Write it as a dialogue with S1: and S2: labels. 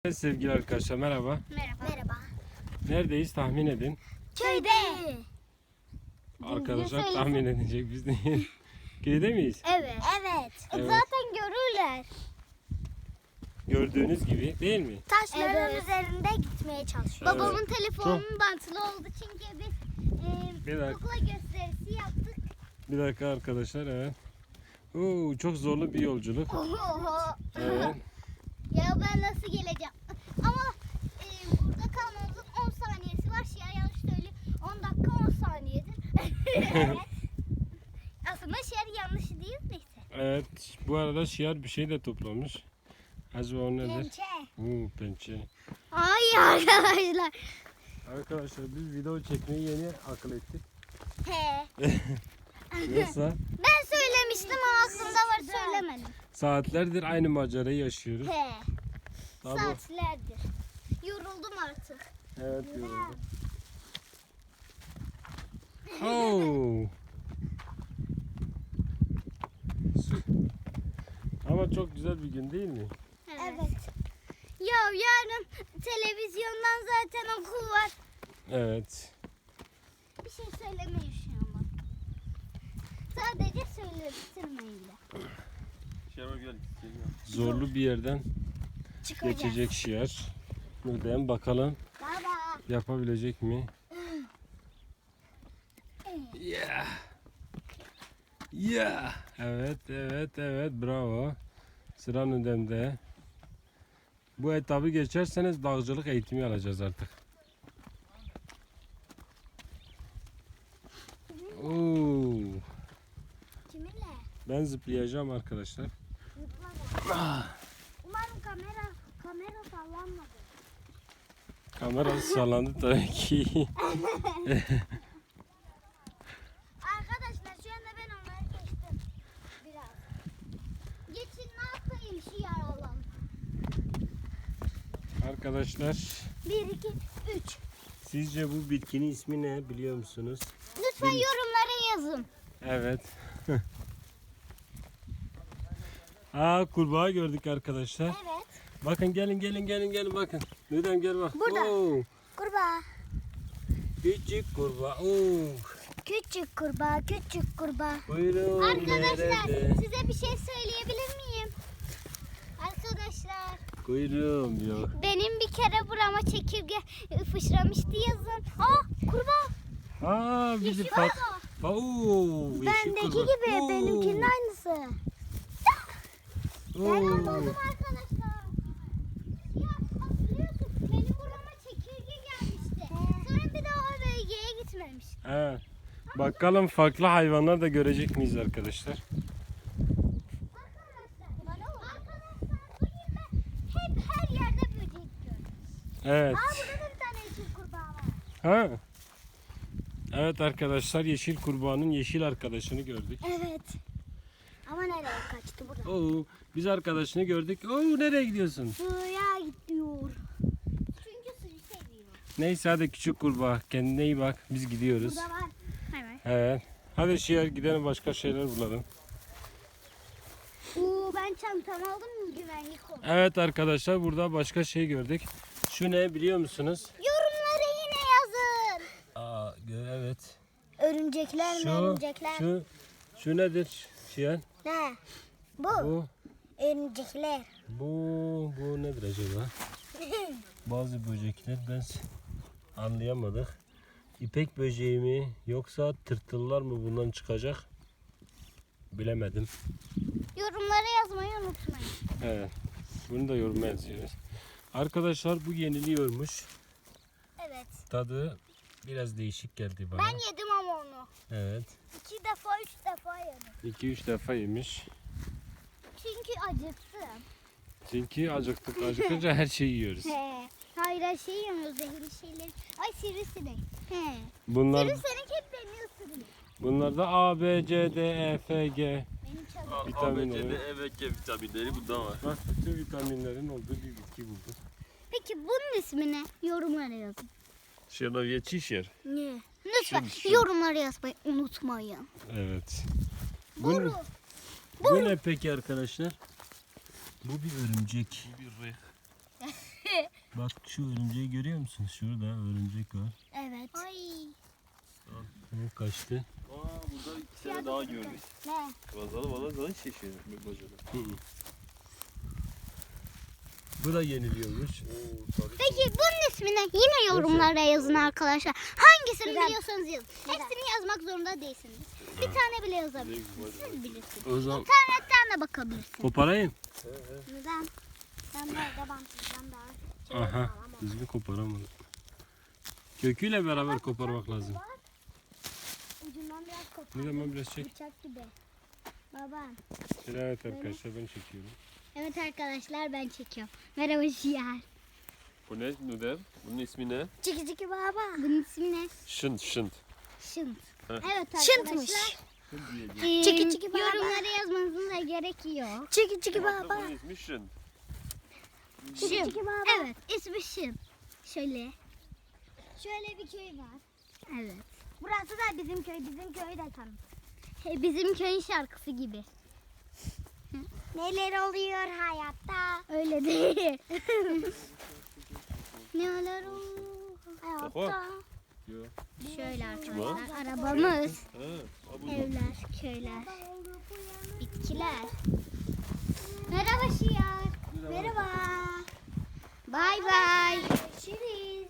S1: Evet sevgili arkadaşlar merhaba.
S2: Merhaba.
S1: Neredeyiz tahmin edin.
S2: Köyde.
S1: Arkadaşlar tahmin edecek biz değil. Köyde miyiz?
S2: Evet.
S1: Evet.
S2: Zaten görürler.
S1: Gördüğünüz gibi değil mi?
S2: Taşların üzerinde gitmeye çalışıyor.
S1: Evet.
S2: Babamın telefonunun bantılı oldu çünkü biz
S1: Bir dakika.
S2: kukla gösterisi yaptık.
S1: Bir dakika arkadaşlar evet. Oo, çok zorlu bir yolculuk. Evet.
S2: Ya ben nasıl geleceğim? Ama burada kalmamızın 10 saniyesi var. Şia yanlış söylüyor. 10 dakika 10 saniyedir. Aslında şiar yanlış değil neyse.
S1: Evet. Bu arada Şiar bir şey de toplamış. Acaba o nedir?
S2: Pençe.
S1: Oo, pençe.
S2: Ay arkadaşlar.
S1: Arkadaşlar biz video çekmeyi yeni akıl ettik.
S2: He.
S1: Nasıl?
S2: Ben söylemiştim ama aklımda var söylemedim.
S1: Saatlerdir aynı macerayı yaşıyoruz.
S2: He.
S1: Tabii.
S2: Saatlerdir. Yoruldum artık.
S1: Evet yoruldum. Oo. Ama çok güzel bir gün değil mi?
S2: Evet. Ya yarın televizyondan zaten okul var.
S1: Evet.
S2: Bir şey söylemeyin şu an bak. Sadece söyletirmeyin de.
S1: Zorlu bir yerden
S2: Çıkacağız.
S1: geçecek Şiar. Buradan bakalım
S2: Baba.
S1: yapabilecek mi? Yeah. Yeah. Evet bravo. Sıra Nudem'de. Bu etabı geçerseniz dağcılık eğitimi alacağız artık. Oo.
S2: Kiminle?
S1: Ben zıplayacağım arkadaşlar.
S2: Umarım kamera sallanmadı.
S1: Kamera sallandı tabii ki.
S2: Arkadaşlar şu anda ben onları geçtim. Biraz. Geçin ne yapayım şu yaralan.
S1: Arkadaşlar
S2: 1, 2, 3.
S1: sizce bu bitkinin ismi ne biliyor musunuz?
S2: Lütfen yorumlara yazın.
S1: Evet. Aa, kurbağa gördük arkadaşlar.
S2: Evet.
S1: Bakın gelin bakın. Neden gel bak.
S2: Burada.
S1: Oo,
S2: Kurbağa.
S1: küçük kurbağa. Oo.
S2: Küçük kurbağa.
S1: Buyurun.
S2: Arkadaşlar
S1: nerede?
S2: size bir şey söyleyebilir miyim? Arkadaşlar
S1: Kuyruğum yok.
S2: benim bir kere burama çekirge fışramıştı yazın. Kurbağa.
S1: Aa, bizi
S2: Yeşil
S1: pat.
S2: kurbağa.
S1: Oo, yeşil
S2: Bendeki
S1: kurbağa.
S2: gibi
S1: Oo.
S2: benimkinin aynısı. Ben
S1: Oo.
S2: anladım arkadaşlar. Ya hatırlıyorsun benim burama çekirge gelmişti. Sonra bir daha o bölgeye gitmemiş.
S1: He. Bakalım farklı hayvanlar da görecek miyiz arkadaşlar?
S2: Arkadaşlar bugün ben hep her yerde böcek gördüm.
S1: Evet.
S2: Burada da bir tane yeşil kurbağa var.
S1: Ha. Evet arkadaşlar yeşil kurbağanın yeşil arkadaşını gördük.
S2: Evet. Ama nereye kaçtı burada?
S1: Oo, biz arkadaşını gördük. Oo, nereye gidiyorsun?
S2: Suya gidiyor. Çünkü suyu seviyor.
S1: Neyse hadi küçük kurbağa kendine iyi bak. Biz gidiyoruz.
S2: Burada var. Evet.
S1: Evet. Hadi Şiar gidelim başka şeyler bulalım.
S2: Ben çantamı aldım güvenlik oldu.
S1: Evet arkadaşlar burada başka şey gördük. Şu ne biliyor musunuz?
S2: Yorumlara yine yazın.
S1: Aa, evet.
S2: Örümcekler mi örümcekler?
S1: Şu nedir Şiar?
S2: Ne? Bu.
S1: Bu
S2: Örümcekler.
S1: bu nedir acaba? Bazı böcekler ben anlayamadık. İpek böceği mi yoksa tırtıllar mı bundan çıkacak? Bilemedim.
S2: Yorumlara yazmayı unutmayın.
S1: Evet. Bunu da yoruma yazıyoruz. Arkadaşlar bu yeniliyormuş.
S2: Evet.
S1: Tadı biraz değişik geldi bana.
S2: Ben yedim ama onu.
S1: Evet.
S2: 2 defa 3 defa yedim.
S1: 2-3 defa yemiş.
S2: Çünkü acıktım.
S1: Çünkü acıktık. Acıkınca her şeyi yiyoruz.
S2: He. Hayır her şeyi yemiyoruz zehirli şeyleri. Ay sivrisinek. He.
S1: Bunlar
S2: Sivrisinek hep beni ısırıyor.
S1: bunlarda A, B, C, D, E, F, G
S2: Benim çalıyor.
S1: vitaminleri.
S3: Evet, vitaminleri bunda var.
S1: Bak bütün vitaminlerin olduğu bir bitki bulduk.
S2: Peki bunun ismi ne? Yorumlara yazın.
S3: Şenoviye çişer.
S2: Ne? Lütfen
S1: Şu.
S2: yorumlara yazmayı unutmayın.
S1: Evet.
S2: Boru.
S1: Bu ne peki arkadaşlar? Bu bir örümcek.
S3: Bir reh.
S1: Bak şu örümceği görüyor musun? Şurada örümcek var.
S2: Evet. Ay.
S1: O kaçtı.
S3: Burada iki tane daha gördük.
S2: Ne?
S3: Bazalı bana zaman şişiyor. Bacalı.
S1: Bu da yeniliyormuş.
S2: Peki bunun ismini yine yorumlara yazın arkadaşlar. Hangisini biliyorsanız yazın. Hepsini yazmak zorunda değilsiniz. Bir tane bile yazabilirsiniz. Siz bilirsiniz.
S1: O zaman
S2: İnternetten de bakabilirsiniz.
S1: koparayım.
S2: Neden? Ben böyle bantlayacağım daha.
S1: Aha. Düzgün koparamadım. Köküyle beraber koparmak lazım.
S2: Ucundan biraz kopar.
S1: Ne zaman biraz çek.
S2: Bıçak gibi. Baba.
S1: Evet arkadaşlar ben çekiyorum.
S2: Evet arkadaşlar ben çekiyorum. Merhaba Şiar.
S3: Bu ne Nudem? Bunun ismi ne?
S2: Çiki çiki baba. Bunun ismi ne?
S3: Şınt şınt.
S2: Şınt.
S3: Heh.
S2: Evet
S4: Şıntmış.
S2: arkadaşlar.
S4: Çiki çiki baba.
S2: Yorumlara yazmanızın da gerek yok.
S4: Çiki çiki baba.
S3: Bunun ismi şınt.
S2: Şım.
S4: çiki baba.
S2: Evet ismi Şım. Şöyle. Şöyle bir köy var. Evet.
S4: Burası da bizim köy. Bizim köyü de tanı.
S2: Bizim köyün şarkısı gibi.
S4: Neler oluyor hayatta?
S2: Öyle değil. Neler oluyor
S3: hayatta? Yok.
S2: Şöyle arkadaşlar arabamız,
S3: Ha.
S2: evler, köyler, bitkiler. Merhaba Şiar.
S4: Merhaba.
S2: Bay bay.
S4: Görüşürüz.